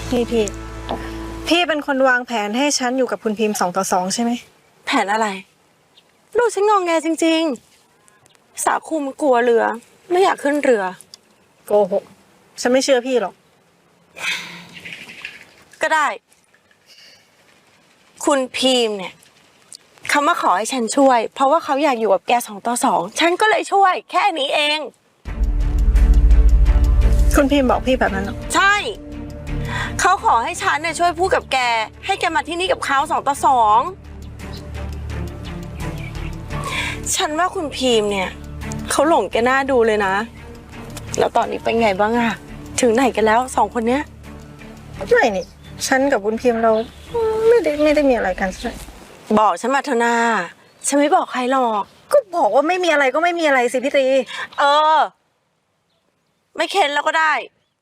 พี่เป็นคนวางแผนให้ฉันอยู่กับคุณพิมพ์2-2ใช่ไหมแผนอะไรลูกฉันงองแงจริงๆสาคูมันกลัวเรือไม่อยากขึ้นเรือโกหกฉันไม่เชื่อพี่หรอกก็ได้คุณพิมพ์เนี่ยเขามาขอให้ฉันช่วยเพราะว่าเขาอยากอยู่กับแก2-2ฉันก็เลยช่วยแค่นี้เองคุณพิมพ์บอกพี่แบบนั้นหรอใช่เขาขอให้ฉันเนี่ยช่วยพูดกับแกให้แกมาที่นี่กับเขา2-2ฉันว่าคุณพิมพ์เนี่ยเขาหลงแกน่าดูเลยนะแล้วตอนนี้เป็นไงบ้างอะถึงไหนกันแล้ว2คนเนี้ยไม่นี่ฉันกับคุณพิมพ์เราไม่ได้มีอะไรกันใช่บอกฉันมาเถอะนาฉันไม่บอกใครหรอกก็บอกว่าไม่มีอะไรก็ไม่มีอะไรสิพี่ตีไม่เค้นแล้วก็ได้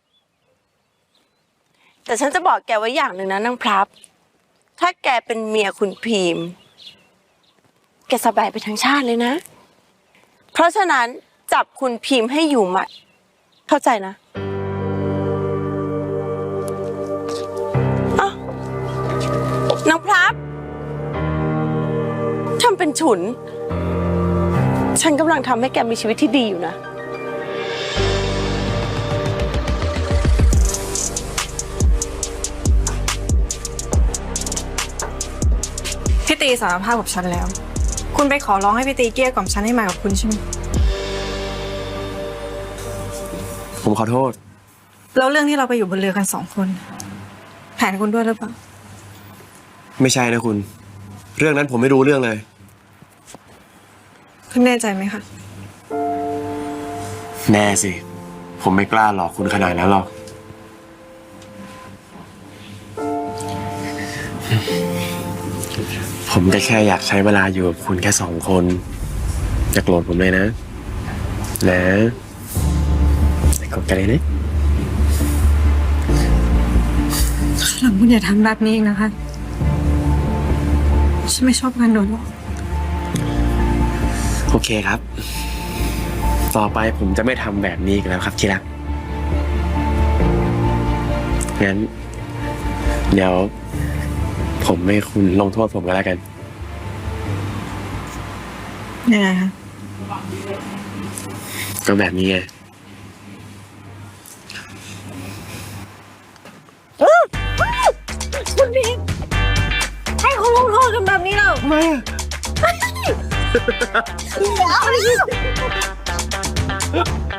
แต่ฉันจะบอกแกไว้อย่างหนึ่งนะนางพลับถ้าแกเป็นเมียคุณพิมพ์แกสบายไปทั้งชาติเลยนะเพราะฉะนั้นจับคุณพิมพ์ให้อยู่หมัดเข้าใจนะนางพลับทำเป็นฉุนฉันกำลังทำให้แกมีชีวิตที่ดีอยู่นะพี่ตีสารภาพกับฉันแล้วคุณไปขอร้องให้พี่ตีเกลี้ยกล่อมฉันให้มากับคุณใช่ไหมผมขอโทษแล้วเรื่องที่เราไปอยู่บนเรือกัน2 คนแผนคุณด้วยหรือเปล่าไม่ใช่นะคุณเรื่องนั้นผมไม่รู้เรื่องเลยคุณแน่ใจไหมคะแน่สิผมไม่กล้าหลอกคุณขนาดนั้นหรอกผมก็แค่อยากใช้เวลาอยู่กับคุณแค่2 คนอย่าโกรธผมเลยนะอย่าโกรธกันเลยนะหลังคุณอย่าทำแบบนี้อีกนะคะฉันไม่ชอบการโดนหลอกโอเคครับต่อไปผมจะไม่ทำแบบนี้อีกแล้วครับที่รักงั้นเดี๋ยวผมให้คุณลงโทษผมก็แล้วกันยังไงคะก็แบบนี้ไงคุณพิมพ์ให้เขาลงโทษกันแบบนี้เหรอไม่เดี๋ยว